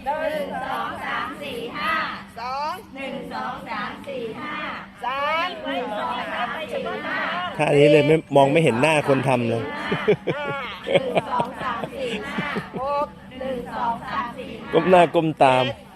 2 3 ท่านี้เลยไม่มองไม่เห็นหน้าคนทำเลย 6 ก้มหน้าก้มตาม 8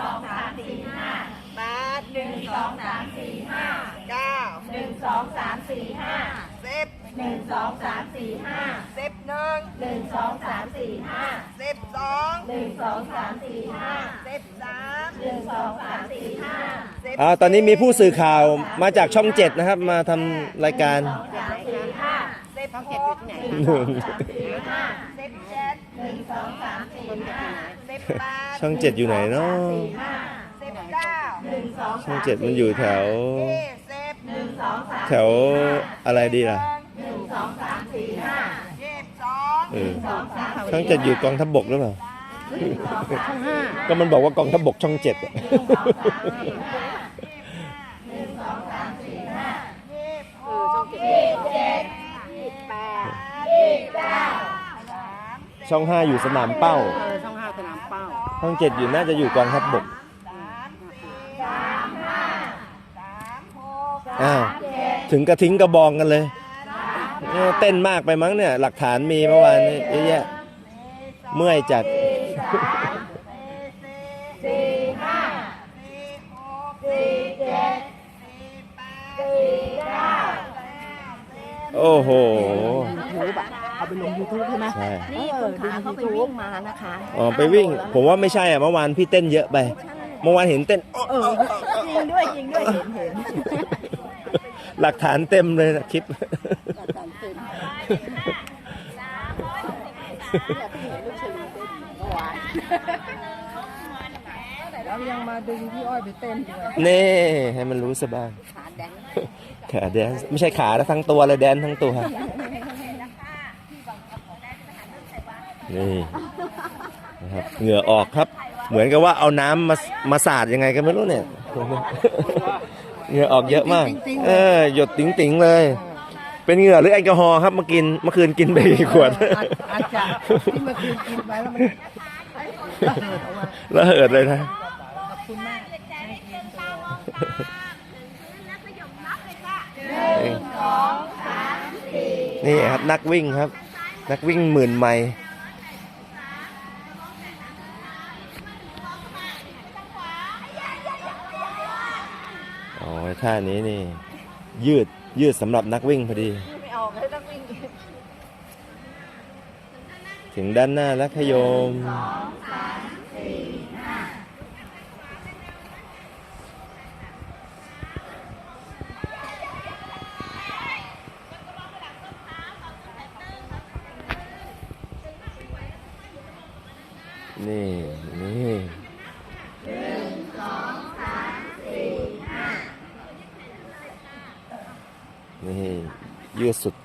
ตอนนี้มีผู้สื่อข่าวมาจากช่อง7นะครับมาทำรายการ ช่อง7อยู่ไหนเนาะช่อง7มันอยู่แถวอะไรดีล่ะช่อง7อยู่กองทัพบกหรือเปล่าก็มันบอกว่ากองทัพบกช่อง7ช่อง5อยู่สนามเป้าช่อง5สนามเป้าช่อง7อยู่น่าจะอยู่กองทัพบกถึงกระทิ้งกระบองกันเลยเต้นมากไปมั้งเนี่ยหลักฐานมีเมื่อวานนี้เยอะแยะเมื่อยจัดโอ้โหเอาไปลง YouTube ใช่ไหมใช่นี่คนขาเขาไปวิ่งมานะคะไปวิ่งผมว่าไม่ใช่เมื่อวานพี่เต้นเยอะไปเมื่อวานเห็นเต้นจริงด้วยเห็นหลักฐานเต็มเลยนะคลิปแล้วยังมาดึงพี่อ้อยไปเต้นด้วยนี่ให้มันรู้ซะบ้างขาแดนไม่ใช่ขาแล้วทั้งตัวเลยแดนทั้งตัวนี่นะครับเหงื่อออกครับเหมือนกับว่าเอาน้ำมาสาดยังไงกันไม่รู้เนี่ยเหงื่อออกเยอะมากหยดติ๋งๆเลยเป็นเหงื่อหรือแอลกอฮอล์ครับเมื่อคืนกินไปกี่ขวดอาจจะที่เมื่อคืนกินไปแล้วมันระเหิดเลยนะขอบคุณมากนี่ครับนักวิ่งครับนักวิ่ง10,000 ไมล์ท่านี้นี่ยืดสำหรับนักวิ่งพอดีถึงด้านหน้าแล้วขยมนี่ยืดสุด